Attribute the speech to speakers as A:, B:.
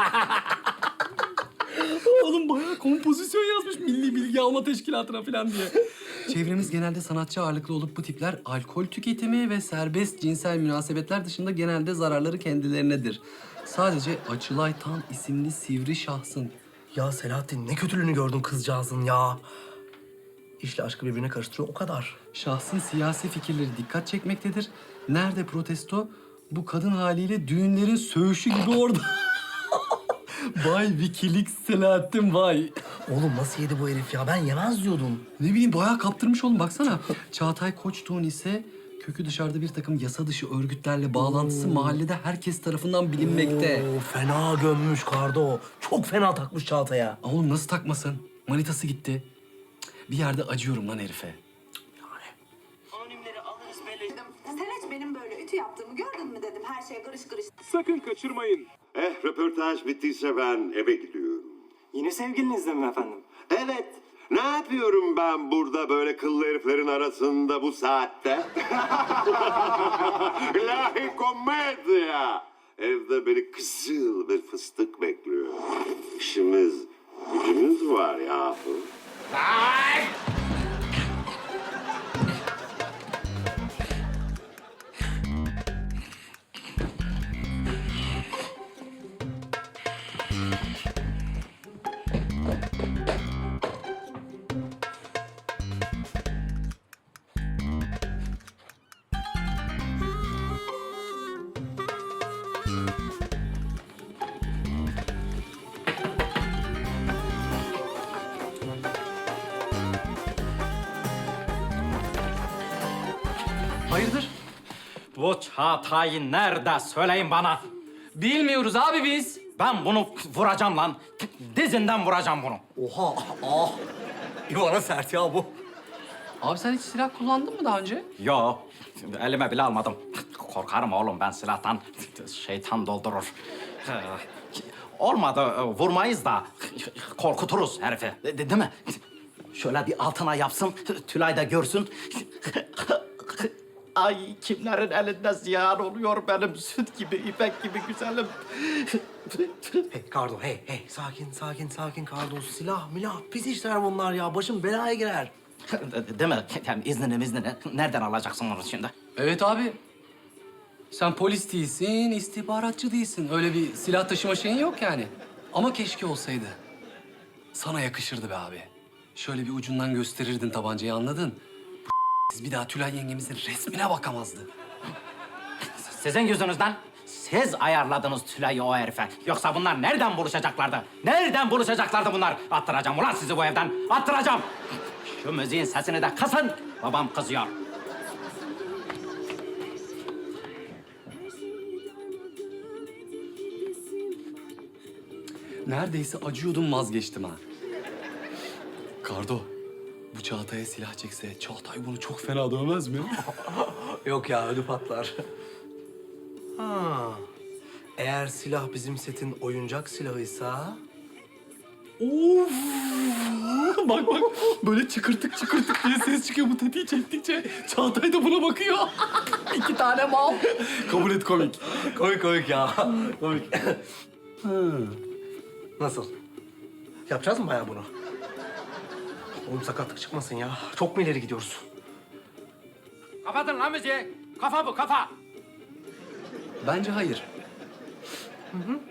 A: Oğlum bayağı kompozisyon yazmış Milli Bilgi Alma Teşkilatı'na falan diye. Çevremiz genelde sanatçı ağırlıklı olup bu tipler alkol tüketimi ve serbest cinsel münasebetler dışında genelde zararları kendilerinedir. Sadece Açılay Tan isimli sivri şahsın.
B: Ya Selahattin ne kötülüğünü gördün kızcağızın ya. İşle aşkı birbirine karıştırıyor o kadar.
A: Şahsın siyasi fikirleri dikkat çekmektedir. Nerede protesto? Bu kadın haliyle düğünlerin söğüşü gibi orada. Vay Wikileaks Selahattin vay.
B: Oğlum nasıl yedi bu herif ya? Ben yemez diyordum.
A: Ne bileyim bayağı kaptırmış oğlum baksana. Çağatay Koçtuğ'un ise kökü dışarıda bir takım yasa dışı örgütlerle bağlantısı mahallede herkes tarafından bilinmekte.
B: Oo, fena gömmüş Kardo. Çok fena takmış Çağatay'a.
A: Oğlum nasıl takmasın? Manitası gitti. Cık, bir yerde acıyorum lan herife.
C: Anonimleri alırız belirledim. Sen hiç benim böyle ütü yaptığımı gördün mü dedim. Her şey karış karış.
D: Sakın kaçırmayın.
E: Röportaj bittiyse ben eve gidiyorum.
F: Yine sevgilinizle mi efendim?
E: Evet. Ne yapıyorum ben burada böyle kıllı heriflerin arasında bu saatte? İlahi komedya. Evde beni kızıl bir fıstık bekliyor. İşimiz, gücümüz var yahu.
A: Hayırdır?
G: Bu Çağatay'ı nerede söyleyin bana.
A: Bilmiyoruz abi biz.
G: Ben bunu vuracağım lan. Dizinden vuracağım bunu.
B: Oha, ah. İvana sert ya bu.
A: Abi sen hiç silah kullandın mı daha önce?
G: Yo, elime bile almadım. Korkarım oğlum ben silahtan. Şeytan doldurur. Olmadı vurmayız da korkuturuz herifi. Değil mi? Şöyle bir altına yapsın, Tülay da görsün. Ay kimlerin elinde ziyan oluyor benim süt gibi, ipek gibi güzelim.
B: Hey Kardo, hey. Sakin Kardo. Silah, milah, pis işler bunlar ya. Başım belaya girer.
G: Değil mi? Yani iznini nereden alacaksın onu şimdi?
A: Evet abi. Sen polis değilsin, istihbaratçı değilsin. Öyle bir silah taşıma şeyin yok yani. Ama keşke olsaydı. Sana yakışırdı be abi. Şöyle bir ucundan gösterirdin tabancayı anladın? Siz bir daha Tülay yengemizin resmine bakamazdı.
G: Sizin yüzünüzden siz ayarladınız Tülay'ı o herife. Yoksa bunlar nereden buluşacaklardı? Nereden buluşacaklardı bunlar? Attıracağım ulan sizi bu evden. Attıracağım. Şu müziğin sesini de kısın. Babam kızıyor.
A: Neredeyse acıyordum vazgeçtim ha. Kardo, bu Çağatay'a silah çekse Çağatay bunu çok fena dövmez mi?
B: Yok ya, ödü patlar. Ha. Eğer silah bizim setin oyuncak silahıysa...
A: Of! Bak böyle çıkırtık diye ses çıkıyor bu tetiği çektikçe. Çağatay da buna bakıyor. İki tane mal. Kabul et komik.
B: Komik ya. Komik. Nasıl? Yapacağız mı bayağı bunu? Oğlum sakatlık çıkmasın ya. Çok mu ileri gidiyoruz?
G: Kapatın lan müziği. Kafa bu kafa.
A: Bence hayır.